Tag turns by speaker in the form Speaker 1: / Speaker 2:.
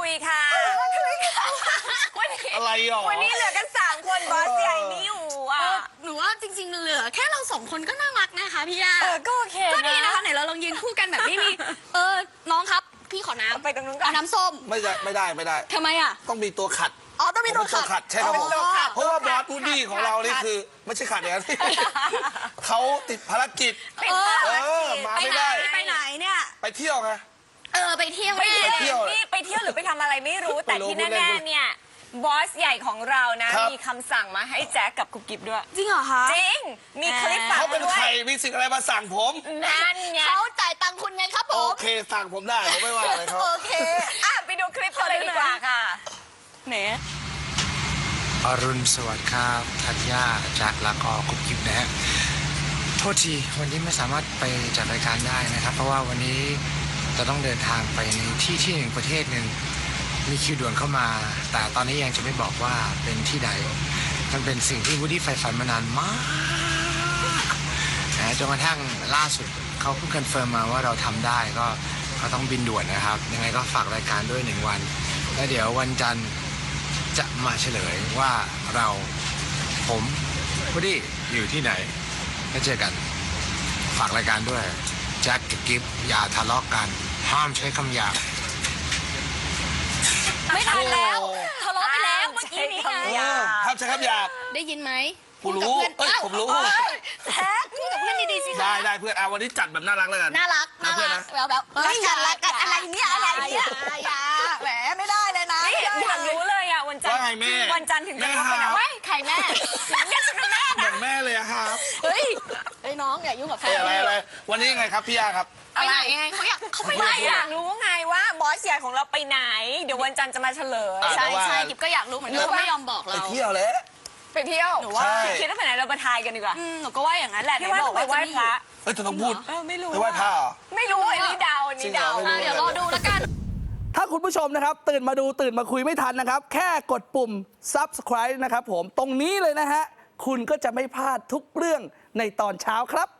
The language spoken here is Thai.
Speaker 1: ยค่ะวันนี้
Speaker 2: อะไรหรอ
Speaker 1: วันนี้เหลือกัน3 คนบอสใหญ่ไม่อยู่อ่ะ
Speaker 3: หนูว่าจริงๆเหลือแค่เรา2 คนก็น่ารักนะคะพี่ย่า
Speaker 1: ก็โอเค
Speaker 3: ก็ดีนะคะไหนเราลองยืนคู่กันแบบไม่มีน้องครับพี่ขอน้ำ
Speaker 1: ไปตรงนู้นก่อ
Speaker 3: เอา
Speaker 1: น
Speaker 3: น้ำส้ม
Speaker 2: ไม่ได้
Speaker 3: ทำไมอ่ะ
Speaker 2: ต้องมีตัวขัด
Speaker 3: อ๋อต้องมีตัวขัด
Speaker 2: ใช่ครับผม
Speaker 1: ตัวขัด
Speaker 2: เพราะว่าบอสวูดดี้ของเรานี่คือไม่ใช่ขัดอย่างนั้นเขาติดภารกิจ
Speaker 1: ติดภารกิจ
Speaker 2: มาไม่ได้
Speaker 3: ไปไหนเนี่ย
Speaker 2: ไปเที่ยวไง
Speaker 3: ไปเที่ยว
Speaker 1: ไป
Speaker 3: แน่
Speaker 1: เที่ยวนี่ไปเที่ยวหรือไปทำอะไรไม่รู้แต่ที่แน่ๆเนี่ยบอสใหญ่ของเรานะมีคำสั่งมาให้แจ็คกับกุ๊บกิ๊บด้วย
Speaker 3: จริงเหรอคะ
Speaker 1: จริงมีคลิปฝาก
Speaker 2: เขา
Speaker 1: มา
Speaker 2: เป็น
Speaker 1: ด้วย
Speaker 2: ใครมีสิ่งอะไรมาสั่งผม
Speaker 1: นั่นไง
Speaker 3: เขาจ่ายตังค์คุณไงครับผ
Speaker 2: โอ
Speaker 3: ม
Speaker 2: เคสั่งผมได้ผมไม่ว่าอะไรเขา
Speaker 3: โอเค
Speaker 1: ไปดูคลิปกันเลยดีกว่าค่ะ
Speaker 3: ไหน
Speaker 4: อรุณสวัสดิ์ครับธัญญาแจ็คแล้วก็กุ๊บกิ๊บนะฮะโทษทีวันนี้ไม่สามารถไปจัดรายการได้นะครับ เพราะว่าวันนี้จะต้องเดินทางไปในที่หนึ่งประเทศหนึ่งมีคิวด่วนเข้ามา แต่ตอนนี้ยังจะไม่บอกว่าเป็นที่ใดมันเป็นสิ่งที่วูดดี้ใฝ่ฝันมานานมากนะจนกระทั่งล่าสุดเขาเพิ่งคอนเฟิร์มมาว่าเราทำได้ก็ต้องบินด่วนนะครับยังไงก็ฝากรายการด้วย1 วันแล้วเดี๋ยววันจันทร์จะมาเฉลยว่าผมวูดดี้อยู่ที่ไหนแล้วเจอกันฝากรายการด้วยแจ็คกับกิฟอย่าทะเลาะกันห้ามใช้คำหยาบ
Speaker 3: ไม่ทันแล้วทะเลาะไปแล้วเมื่อกี้นี้ไง
Speaker 2: ครับใช่ครับอยาก
Speaker 3: ได้ยินไหม
Speaker 2: ผมรู้ผมรู้
Speaker 3: แท็กพูดกับเพื่อนดีๆสิคะ
Speaker 2: ได้เพื่อนวันนี้จัดแบบน่ารักแล้วกัน
Speaker 3: น่ารัก
Speaker 2: นะเพื่อนนะ
Speaker 3: แบบรักกันอะไรเนี่ยอย่าแหมไม่ได้เลยนะ
Speaker 1: นี่อยากรู้เลยอ่ะวันจันท
Speaker 2: ว่า
Speaker 1: ร์
Speaker 2: ไงแม่
Speaker 1: วันจันทร์ถึงจะ
Speaker 2: แม่
Speaker 1: รู้ไปไหน
Speaker 2: ครับ
Speaker 1: เว้ย
Speaker 3: ใครแม่
Speaker 1: เรียกฉันเป็นแม่
Speaker 2: เหมื
Speaker 1: นะ
Speaker 2: อนแม่เลยอะครับ
Speaker 3: เฮ้ยน้องอย่ายุ่งกับแฟน
Speaker 2: อะไรวันนี้ยังไงครับพี่ยาครับ
Speaker 3: ไปไหนไงเขาไปไหน
Speaker 1: ไม่อยา
Speaker 3: อ่ะ
Speaker 1: กรู้ไงว่าบอสใหญ่ของเราไปไหน เดี๋ยววันจันทร์จะมาเฉลย
Speaker 2: อ่ะ
Speaker 3: ใช่กิบก็อยากรู้เหมือนกันเขาไม่ยอมบอก
Speaker 2: ไป
Speaker 3: เรา
Speaker 2: เที่ยวแล้ว
Speaker 1: ไปเที่ยว
Speaker 3: หนูว่า
Speaker 1: คิดว่าไปไหนเราไปทายกันดีกว่า
Speaker 3: หนูก็ว่าอย่างนั้นแหละ
Speaker 1: พี่ว่าต้องไปไหว้พระ
Speaker 2: เอ้ยจะต้องพูด
Speaker 1: ไม่รู้
Speaker 2: ไปไหว้พระเหรอ
Speaker 1: ไม่รู้อันนี้เดาอันนี้เดา
Speaker 2: จริงเหรอไม่รู้
Speaker 3: เดี๋ยวรอดูแล้วกัน
Speaker 5: ถ้าคุณผู้ชมนะครับตื่นมาดูตื่นมาคุยไม่ทันนะครับ แค่กดปุ่ม subscribe นะครับผมตรงนี้เลยนะฮะ คุณก็จะไม่พลาดทุกเรื่องในตอนเช้าครับ